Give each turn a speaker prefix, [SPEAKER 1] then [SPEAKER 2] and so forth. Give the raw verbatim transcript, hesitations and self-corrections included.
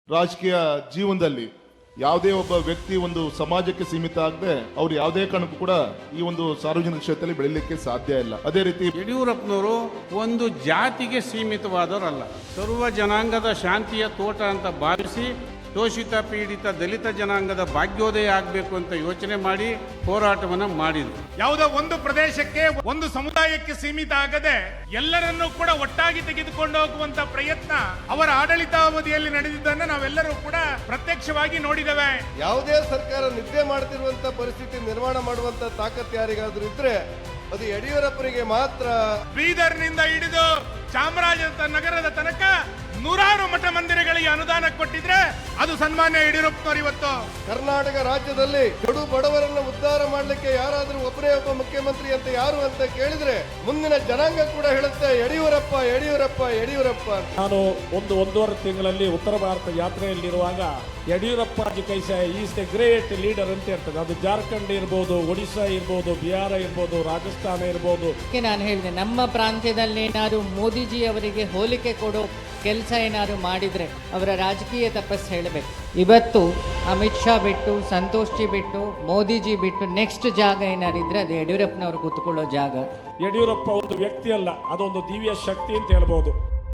[SPEAKER 1] ರಾಜಕೀಯ ಜೀವನದಲ್ಲಿ ಯಾವುದೇ ಒಬ್ಬ ವ್ಯಕ್ತಿ ಒಂದು ಸಮಾಜಕ್ಕೆ ಸೀಮಿತ ಆಗದೆ ಅವ್ರು ಯಾವುದೇ ಕಾರಣಕ್ಕೂ ಕೂಡ ಈ ಒಂದು ಸಾರ್ವಜನಿಕ ಕ್ಷೇತ್ರದಲ್ಲಿ ಬೆಳಿಲಿಕ್ಕೆ ಸಾಧ್ಯ ಇಲ್ಲ. ಅದೇ ರೀತಿ
[SPEAKER 2] ಯಡಿಯೂರಪ್ಪನವರು ಒಂದು ಜಾತಿಗೆ ಸೀಮಿತವಾದವರಲ್ಲ, ಸರ್ವ ಜನಾಂಗದ ಶಾಂತಿಯ ತೋಟ ಅಂತ ಭಾವಿಸಿ ಶೋಷಿತ ಪೀಡಿತ ದಲಿತ ಜನಾಂಗದ ಭಾಗ್ಯೋದಯ ಆಗಬೇಕು ಅಂತ ಯೋಚನೆ ಮಾಡಿ ಹೋರಾಟವನ್ನ ಮಾಡಿದ್ರು.
[SPEAKER 3] ಯಾವುದೋ ಒಂದು ಪ್ರದೇಶಕ್ಕೆ ಒಂದು ಸಮುದಾಯಕ್ಕೆ ಸೀಮಿತ ಆಗದೆ ಎಲ್ಲರನ್ನೂ ಕೂಡ ಒಟ್ಟಾಗಿ ತೆಗೆದುಕೊಂಡು ಹೋಗುವಂತ ಪ್ರಯತ್ನ ಅವರ ಆಡಳಿತಾವಧಿಯಲ್ಲಿ ನಡೆದಿದ್ದನ್ನು ನಾವೆಲ್ಲರೂ ಕೂಡ ಪ್ರತ್ಯಕ್ಷವಾಗಿ ನೋಡಿದ್ದೇವೆ.
[SPEAKER 4] ಯಾವುದೇ ಸರ್ಕಾರ ನಿದ್ದೆ ಮಾಡ್ತಿರುವಂತ ಪರಿಸ್ಥಿತಿ ನಿರ್ಮಾಣ ಮಾಡುವಂತ ತಾಕತ್ತು ಯಾರಿಗಾದ್ರೂ ಇದ್ರೆ ಅದು ಯಡಿಯೂರಪ್ಪರಿಗೆ ಮಾತ್ರ.
[SPEAKER 3] ಬೀದರ್ನಿಂದ ಹಿಡಿದು ಚಾಮರಾಜನಗರದ ತನಕ ನೂರಾರು ಮಠ ಮಂದಿರಗಳಿಗೆ ಅನುದಾನ ಕೊಟ್ಟಿದ್ರೆ ಅದು ಸನ್ಮಾನ್ಯ ಯಡಿಯೂರಪ್ಪನವರು. ಇವತ್ತು
[SPEAKER 4] ಕರ್ನಾಟಕ ರಾಜ್ಯದಲ್ಲಿ ಕಡು ಬಡವರನ್ನು ಉದ್ಧಾರ ಮಾಡಲಿಕ್ಕೆ ಯಾರಾದ್ರೂ ಒಬ್ಬರೇ ಒಬ್ಬ ಮುಖ್ಯಮಂತ್ರಿ ಅಂತ ಯಾರು ಅಂತ ಕೇಳಿದ್ರೆ ಮುಂದಿನ ಜನಾಂಗ ಕೂಡ ಹೇಳುತ್ತೆ ಯಡಿಯೂರಪ್ಪ ಯಡಿಯೂರಪ್ಪ ಯಡಿಯೂರಪ್ಪ.
[SPEAKER 5] ನಾನು ಒಂದು ಒಂದೂವರೆ ತಿಂಗಳಲ್ಲಿ ಉತ್ತರ ಭಾರತ ಯಾತ್ರೆಯಲ್ಲಿರುವಾಗ ಯಡಿಯೂರಪ್ಪ ಜಿ ಕೈಸ ಈಸ್ ದ ಗ್ರೇಟ್ ಲೀಡರ್ ಅಂತ ಇರ್ತದೆ. ಅದು ಜಾರ್ಖಂಡ್ ಇರ್ಬೋದು, ಒಡಿಶಾ ಇರ್ಬೋದು, ಬಿಹಾರ ಇರ್ಬೋದು, ರಾಜಸ್ಥಾನ ಇರ್ಬೋದು.
[SPEAKER 6] ನಾನು ಹೇಳಿದೆ, ನಮ್ಮ ಪ್ರಾಂತ್ಯದಲ್ಲಿ ಏನಾದ್ರು ಮೋದಿಜಿ ಅವರಿಗೆ ಹೋಲಿಕೆ ಕೊಡೋ ಕೆಲಸ ಏನಾದ್ರು ಮಾಡಿದ್ರೆ ಅವರ ರಾಜಕೀಯ ತಪಸ್ಸು ಹೇಳಬೇಕು. ಇವತ್ತು ಅಮಿತ್ ಶಾ ಬಿಟ್ಟು, ಸಂತೋಷ್ ಜಿ ಬಿಟ್ಟು, ಮೋದಿಜಿ ಬಿಟ್ಟು ನೆಕ್ಸ್ಟ್ ಜಾಗ ಏನಾರಿದ್ರೆ ಅದು ಯಡಿಯೂರಪ್ಪನವರು ಕೂತ್ಕೊಳ್ಳೋ ಜಾಗ.
[SPEAKER 5] ಯಡಿಯೂರಪ್ಪ ಒಂದು ವ್ಯಕ್ತಿ ಅಲ್ಲ, ಅದೊಂದು ದಿವ್ಯ ಶಕ್ತಿ ಅಂತ ಹೇಳ್ಬೋದು.